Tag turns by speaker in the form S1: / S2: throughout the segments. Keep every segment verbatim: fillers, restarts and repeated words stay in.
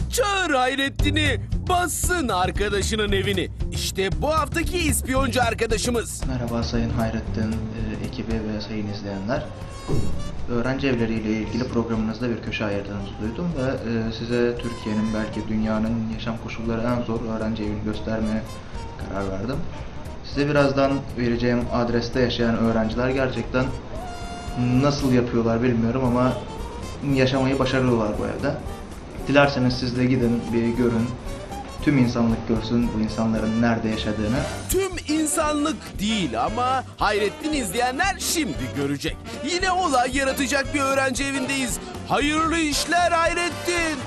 S1: Çağır Hayrettin'i, bassın arkadaşının evini. İşte bu haftaki ispiyoncu arkadaşımız.
S2: Merhaba Sayın Hayrettin e, ekibi ve sayın izleyenler. Öğrenci evleriyle ilgili programınızda bir köşe ayırdığınızı duydum ve e, size Türkiye'nin belki dünyanın yaşam koşulları en zor öğrenci evini göstermeye karar verdim. Size birazdan vereceğim adreste yaşayan öğrenciler gerçekten nasıl yapıyorlar bilmiyorum ama yaşamayı başarıyorlar bu evde. Dilerseniz siz de gidin bir görün. Tüm insanlık görsün bu insanların nerede yaşadığını.
S1: Tüm insanlık değil ama Hayrettin izleyenler şimdi görecek. Yine olay yaratacak bir öğrenci evindeyiz. Hayırlı işler Hayrettin.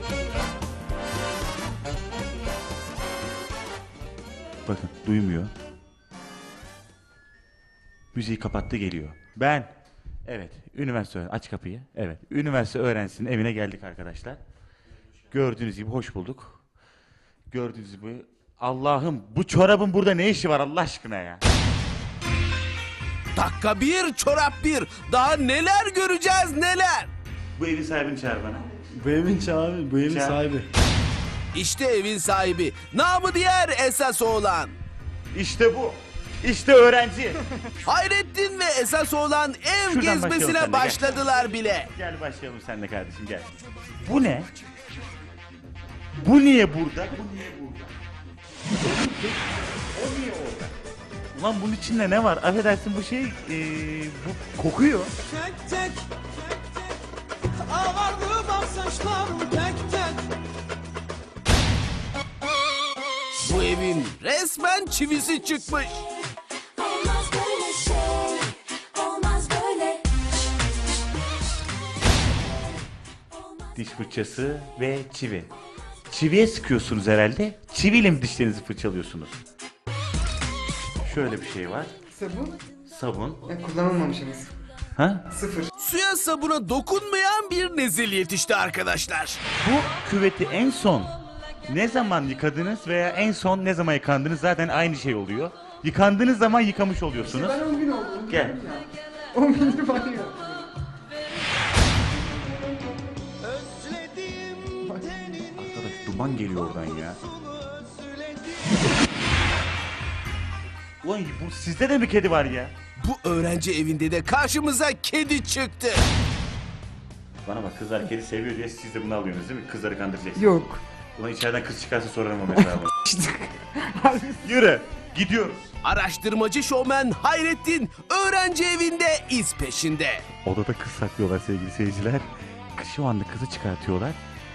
S3: Bakın duymuyor. Müziği kapattı geliyor. Ben. Evet. Üniversite aç kapıyı. Evet. Üniversite öğrencisinin evine geldik arkadaşlar. Gördüğünüz gibi hoş bulduk. Gördüğünüz gibi Allah'ım bu çorabın burada ne işi var Allah aşkına ya?
S1: Dakika bir, çorap bir. Daha neler göreceğiz neler.
S3: Bu evin sahibini çağır bana.
S4: Bu evin sahibi, bu evin
S3: Çağır.
S4: sahibi.
S1: İşte evin sahibi. Namı diğer esas oğlan.
S3: İşte bu. İşte öğrenci.
S1: Hayrettin ve esas oğlan ev
S3: Şuradan başlayalım
S1: gezmesine
S3: seninle, gel.
S1: başladılar bile.
S3: Gel başlayalım senle kardeşim gel. Bu ne? Bu niye burada? Bu niye burada? O niye orada? Ulan bunun içinde ne var? Affedersin bu şey, ee, bu kokuyor.
S5: Tek tek ağardı bak saçlarım tek tek.
S1: Bu evin resmen çivisi çıkmış.
S6: Olmaz böyle şey, olmaz böyle.
S3: Diş fırçası ve çivi. Çiviye sıkıyorsunuz herhalde. Çiviyle mi dişlerinizi fırçalıyorsunuz? Şöyle bir şey var.
S7: Sabun?
S3: Sabun.
S7: Ya kullanılmamışsınız.
S3: Ha?
S7: Sıfır.
S1: Suya sabuna dokunmayan bir nezil yetişti arkadaşlar.
S3: Bu küveti en son ne zaman yıkadınız veya en son ne zaman yıkandınız zaten aynı şey oluyor. Yıkandığınız zaman yıkamış oluyorsunuz.
S7: Ben on gün oldu.
S3: Gel.
S7: on gündür banyo.
S3: Arkadaş duman geliyor oradan ya. Ulan bu sizde de mi kedi var ya?
S1: Bu öğrenci evinde de karşımıza kedi çıktı.
S3: Bana bak kızlar kedi seviyor diye siz de bunu alıyorsunuz değil mi? Kızları kandıracaksınız.
S7: Yok.
S3: Ulan içeriden kız çıkarsa sorarım o hesabı. Yürü gidiyoruz.
S1: Araştırmacı şovmen Hayrettin öğrenci evinde iz peşinde.
S3: Odada kız saklıyorlar sevgili seyirciler. Şu anda kızı çıkartıyorlar.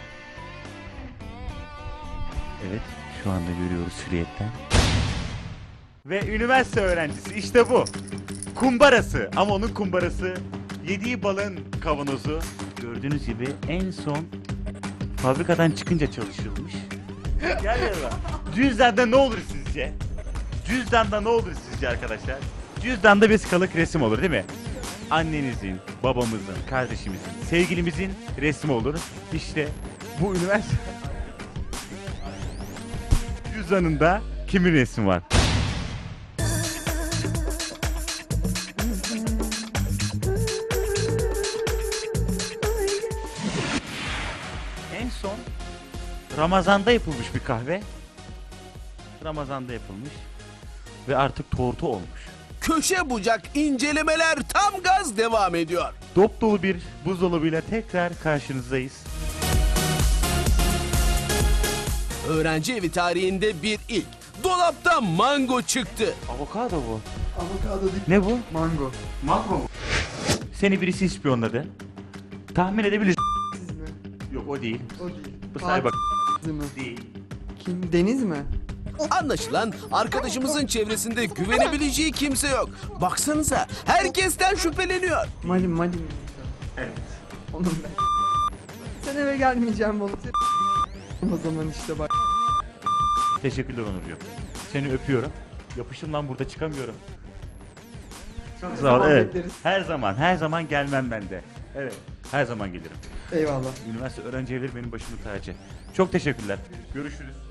S3: Evet şu anda görüyoruz silüetten. Ve üniversite öğrencisi işte bu. Kumbarası ama onun kumbarası yediği balın kavanozu. Gördüğünüz gibi en son fabrikadan çıkınca çalışılmış. Gel yanıma. Cüzdanda ne olur sizce? Cüzdanda ne olur sizce arkadaşlar? Cüzdanda bir skalık resim olur değil mi? Annenizin, babamızın, kardeşimizin, sevgilimizin resmi olur. İşte bu üniversite cüzdanında kimin resmi var? En son Ramazan'da yapılmış bir kahve. Ramazan'da yapılmış ve artık tortu olmuş.
S1: Köşe bucak incelemeler tam gaz devam ediyor.
S3: Dop dolu bir buzdolabıyla tekrar karşınızdayız.
S1: Öğrenci evi tarihinde bir ilk. Dolapta mango çıktı.
S3: Avokado bu.
S7: Avokado değil.
S3: Ne bu?
S7: Mango.
S3: Mango mu? Seni birisi ispiyonladı. Tahmin edebilirsin.
S7: Siz mi?
S3: Yok o değil.
S7: O değil.
S3: Bu sahibi bak.
S7: Fatih mi?
S3: Değil.
S7: Kim? Deniz mi?
S1: Anlaşılan arkadaşımızın çevresinde güvenebileceği kimse yok. Baksanıza herkesten şüpheleniyor.
S7: Mali Mali mi?
S3: Evet.
S7: Onun ben. Sen eve gelmeyeceğim oğlum. O zaman işte bak.
S3: Teşekkürler Onurcuğum. Seni öpüyorum. Yapışım lan burada çıkamıyorum.
S7: Çok
S3: Sağ ol. Evet.
S7: bekleriz.
S3: Her zaman, her zaman gelmem ben de. Evet. Her zaman gelirim.
S7: Eyvallah.
S3: Üniversite öğrenci evleri benim başımın tacı. Çok teşekkürler. Görüşürüz.